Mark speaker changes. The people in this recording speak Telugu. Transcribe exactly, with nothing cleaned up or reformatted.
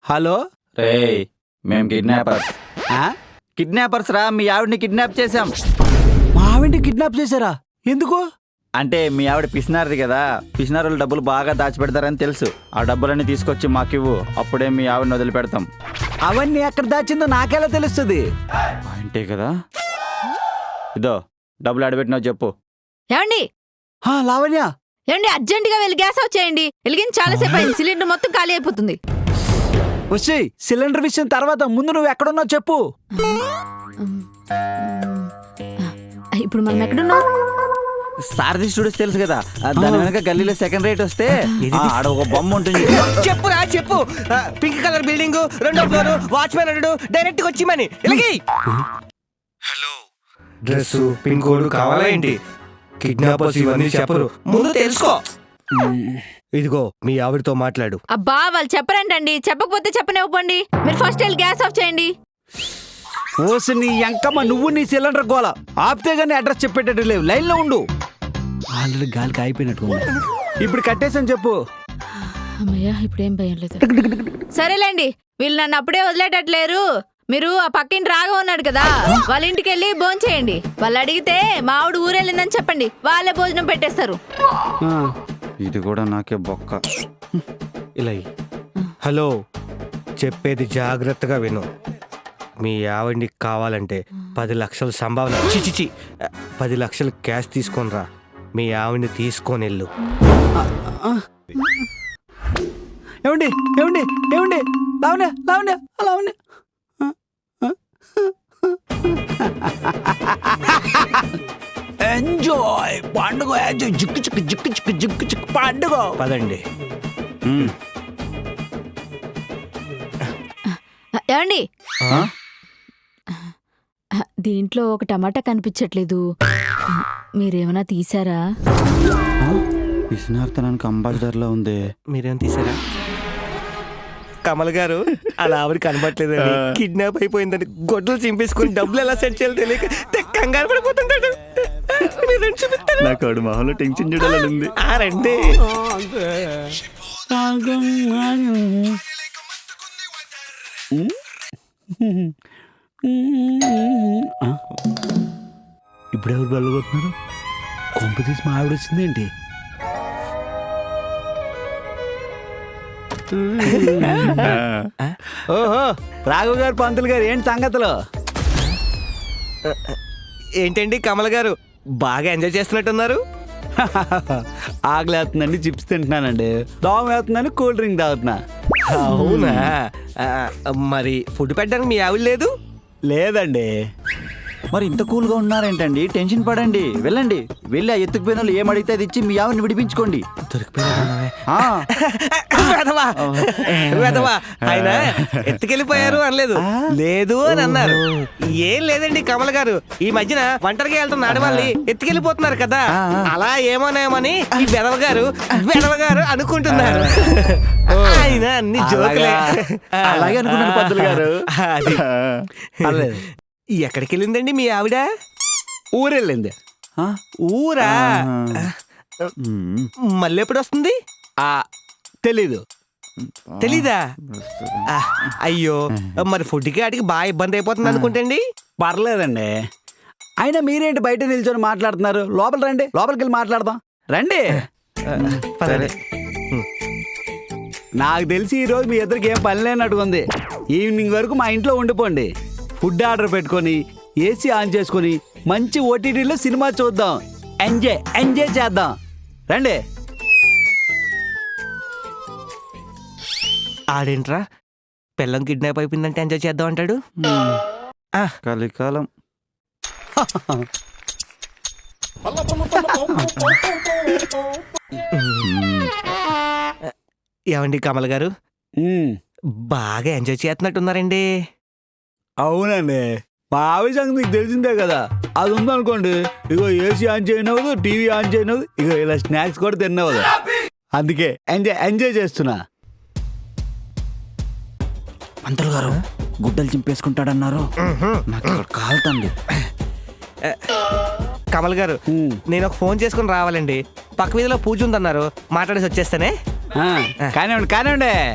Speaker 1: హలో
Speaker 2: రే మేము కిడ్నాపర్స్
Speaker 1: ఆ?
Speaker 2: కిడ్నాపర్స్ రా. మీ ఆవిడని కిడ్నాప్ చేశాం.
Speaker 1: మా ఆవిడ్ని కిడ్నాప్ చేశారా? ఎందుకు?
Speaker 2: అంటే మీ ఆవిడ పిసినారది కదా, పిసినారులు డబ్బులు బాగా దాచిపెడతారని తెలుసు. ఆ డబ్బులన్నీ తీసుకొచ్చి మాకివ్వు, అప్పుడే మీ ఆవిడని వదిలిపెడతాం.
Speaker 1: అవన్నీ ఎక్కడ దాచిందో నాకెలా తెలుస్తుంది?
Speaker 2: అంటే కదా, ఇదో డబ్బులు ఆడబెట్టినావు చెప్పు.
Speaker 3: ఏమండి
Speaker 1: ఆ, లావణ్య
Speaker 3: ఏమండి అర్జెంటుగా వెళ్ళి గ్యాస్ ఆఫ్ చేయండి. వెలిగించి చాలాసేపు అయింది, సిలిండర్ మొత్తం ఖాళీ అయిపోతుంది.
Speaker 1: వచ్చి సిలిండర్ విషయం తర్వాత, ముందు నువ్వు ఎక్కడున్నావు చెప్పు.
Speaker 3: ఇప్పుడు మనం ఎక్కడున్నాం?
Speaker 2: సారథి స్టూడియోస్ తెలుసు కదా, దాని వెనక గల్లీలో సెకండ్ రేట్ వస్తే ఆ, ఆడ ఒక బొమ్మ ఉంటుంది.
Speaker 4: చెప్పురా చెప్పు. పింక్ కలర్ బిల్డింగ్, రెండో ఫ్లోర్, వాచ్మెన్ అన్నాడు, డైరెక్ట్ గా వచ్చి మని ఇలాగి. హలో, డ్రెస్ పిన్ కోడ్ కావాలా ఏంటి? కిడ్నాపర్స్ ఇవన్నీ చెప్పరు, ముందు తెలుసుకో. ఇదిగో మీ ఆవిడతో మాట్లాడు.
Speaker 3: అబ్బా వాళ్ళు చెప్పరంటండి, చెప్పకపోతే చెప్పనివ్వండి. మీరు ఫస్ట్ వెళ్ళి గ్యాస్ ఆఫ్ చేయండి.
Speaker 1: ఓసి నీ ఎంకమ్మ, నువ్వు నీ సిలిండర్ గోల ఆపితే గానీ అడ్రస్ చెప్పేటట్టు లేవు. లైన్ లో ఉండు. ఆల్రెడీ గాలికి అయిపోయినట్టు. ఇప్పుడు కట్టేసని చెప్పు.
Speaker 3: అమ్మయ్యా ఇప్పుడేం భయం లేదు. సరేలేండి, వీళ్ళు నన్ను అప్పుడే వదిలేటట్లేరు. మీరు ఆ పక్కింటి రాగా ఉన్నాడు కదా, వాళ్ళ ఇంటికి వెళ్ళి భోజనం చేయండి. వాళ్ళు అడిగితే మా ఆవిడ ఊరెళ్ళిందని చెప్పండి, వాళ్ళే భోజనం పెట్టేస్తారు.
Speaker 1: ఆ,
Speaker 2: ఇది కూడా నాకే బొక్క.
Speaker 4: ఇలా హలో, చెప్పేది జాగ్రత్తగా విను. మీ ఆవిడ్ని కావాలంటే పది లక్షలు సంభావన, చిచిచి పది లక్షలు క్యాష్ తీసుకొని రా. మీ ఆవిడ్ని తీసుకొని వెళ్ళు.
Speaker 1: ఏమండి ఏమండి ఏమండి లావణ్య లావణ్య లావణ్య ఎంజాయ్ పండుగ, ఎంజాయ్ జిక్కు చిక్కు జిక్కు చిక్కు జిక్కు చిక్కు పండుగ.
Speaker 4: పదండి.
Speaker 2: ఉమ్.
Speaker 3: ఏమండి
Speaker 2: ఆ?
Speaker 3: దీంట్లో ఒక టమాటా కనిపించట్లేదు, మీరేమైనా తీసారా?
Speaker 2: పిసినార్తనానికి అంబాసిడర్లో ఉంది.
Speaker 4: మీరేం తీసారా? కమల్ గారు అలా ఆవిడ కనబట్లేదండి, కిడ్నాప్ అయిపోయిందని గొడ్డలు చింపేసుకుని డబ్బులు ఎలా సెట్ చేయాలో తెలియక తెగ కంగారు పడిపోతుంటాడు. మీరు రండి చూపిస్తాను.
Speaker 2: నాకు ఆవిడ మొహంలో టెన్షన్ చూడాలని ఉంది.
Speaker 4: ఆ రండి.
Speaker 1: ఇప్పుడు ఎవరు వెళ్ళబోతున్నారు? కొంప తీసి మా ఆవిడ వచ్చిందేంటి? ఓహో, రాఘవ్ గారు పంతులు గారు, ఏంటి సంగతులు?
Speaker 4: ఏంటండి కమల్ గారు బాగా ఎంజాయ్ చేస్తున్నట్టున్నారు?
Speaker 1: ఆకలేస్తుందండి, చిప్స్ తింటున్నానండి. దోమ వేస్తుందని కూల్ డ్రింక్ తాగుతున్నా.
Speaker 4: అవునా? ఆ, మరి ఫుడ్ పెట్టడానికి మీ ఆవిడ లేదు?
Speaker 1: లేదండి.
Speaker 2: మరి ఇంత కూల్గా ఉన్నారేంటండి? టెన్షన్ పడండి, వెళ్ళండి. వెళ్ళి ఆ ఎత్తుకుపోయిన వాళ్ళు ఏం అడిగితే అది ఇచ్చి మీ ఆవిడని విడిపించుకోండి. ఆ.
Speaker 4: వెధవా, వెధవా. ఆయన ఎత్తుకెళ్ళిపోయారు అనలేదు, లేదు అని అన్నారు. ఏం లేదండి కమల్ గారు, ఈ మధ్యన ఒంటరిగా వెళ్తున్న ఆడవాళ్ళని ఎత్తుకెళ్ళిపోతున్నారు కదా, అలా ఏమోనేమని ఈ వెధవ గారు వెధవ గారు అనుకుంటున్నారు. ఆయన అన్ని జోకులే.
Speaker 1: అలాగే అనుకున్నాను పంతులు గారు.
Speaker 4: అది
Speaker 1: పర్లేదు.
Speaker 4: ఎక్కడికి వెళ్ళిందండి మీ ఆవిడ?
Speaker 1: ఊరెళ్ళింది.
Speaker 2: ఆ?
Speaker 4: ఊరా?
Speaker 2: ఉమ్.
Speaker 4: మళ్ళీ ఎప్పుడు వస్తుంది?
Speaker 1: ఆ, తెలీదు.
Speaker 4: తెలీదా? ఆ, అయ్యో, మరి ఫుడ్కి ఆడికి బాగా ఇబ్బంది అయిపోతుంది అనుకుంటండి.
Speaker 1: పర్లేదండి. అయినా మీరేంటి బయట నిల్చొని మాట్లాడుతున్నారు? లోపల రండి, లోపలికి వెళ్ళి మాట్లాడదాం. రండి.
Speaker 4: సరే.
Speaker 1: నాకు తెలిసి ఈరోజు మీ ఇద్దరికి ఏం పని లేనట్టుగా ఉంది. ఈవినింగ్ వరకు మా ఇంట్లో ఉండిపోండి. ఫుడ్ ఆర్డర్ పెట్టుకొని ఏసీ ఆన్ చేసుకొని మంచి ఓటీటీలో సినిమా చూద్దాం. ఎంజాయ్ ఎంజాయ్ చేద్దాం. రండి.
Speaker 4: ఆడేంట్రా పిల్లం కిడ్నాప్ అయిపోయిందంటే ఎంజాయ్ చేద్దాం అంటాడు. ఆ,
Speaker 2: కలికాలం.
Speaker 4: ఏమండి కమల్ గారు
Speaker 1: ఉమ్,
Speaker 4: బాగా ఎంజాయ్ చేస్తున్నట్టున్నారండి.
Speaker 1: అవునండి. మా ఆవిడ సంగతి మీకు తెలిసిందే కదా. అది ఉందనుకోండి, ఇగో ఏసీ ఆన్ చేయనవదు, టీవీ ఆన్ చేయనవదు, ఇగో ఇలా స్నాక్స్ కూడా తినవదు. అందుకే ఎంజాయ్ ఎంజాయ్ చేస్తున్నా.
Speaker 2: పంతులు గారు గుడ్డలు చింపేసుకుంటాడన్నారు. నాకు ఇక్కడ కాలుతండి.
Speaker 4: కమల్ గారు
Speaker 1: ఉమ్,
Speaker 4: నేను ఒక ఫోన్ చేసుకుని రావాలండి. పక్క వీధిలో పూజ ఉందన్నారు, మాట్లాడేసి వచ్చేస్తానే.
Speaker 1: ఆ, కానివ్వండి కానివ్వండి.